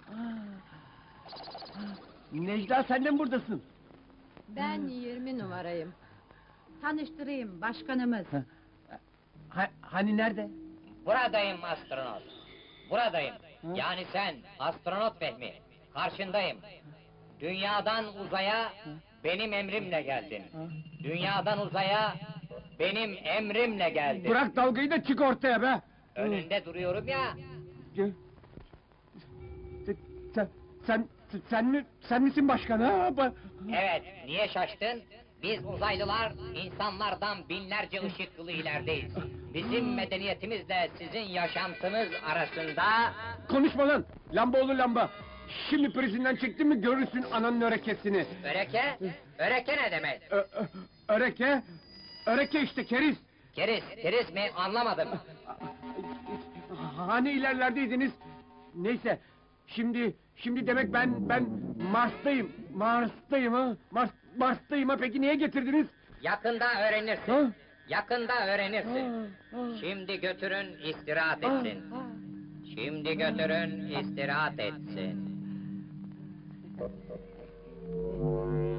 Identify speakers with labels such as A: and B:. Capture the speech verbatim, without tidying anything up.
A: Necla, sen de mi buradasın?
B: Ben yirmi numarayım. Tanıştırayım, başkanımız.
A: Ha, hani nerede?
C: Buradayım astronot. Buradayım. Yani sen, astronot Fehmi. Karşındayım. Dünyadan uzaya benim emrimle geldin. Dünyadan uzaya benim emrimle geldin.
A: Bırak dalgayı da çık ortaya be!
C: Önünde duruyorum ya.
A: Gel. Sen, sen, sen mi, sen misin başkan ha? Ba-
C: Evet, niye şaştın? Biz uzaylılar, insanlardan binlerce ışık yılı ilerideyiz. Bizim medeniyetimizle sizin yaşantınız arasında...
A: Konuşma lan! Lamba oğlu lamba! Şimdi prizinden çektin mi görürsün ananın örekesini!
C: Öreke? Öreke ne demek?
A: Ö, ö, öreke? Öreke işte, keriz!
C: Keriz, keriz mi? Anlamadım.
A: Hani ilerlerdeydiniz? Neyse, şimdi, şimdi demek ben, ben Mars'tayım, Mars'tayım ha? Mars, Mars'tayım ha, peki niye getirdiniz?
C: Yakında öğrenirsin.
A: Ha?
C: Yakında öğrenirsin.
A: Ha, ha.
C: Şimdi götürün istirahat
A: Ha,
C: etsin.
A: ha.
C: Şimdi götürün istirahat etsin.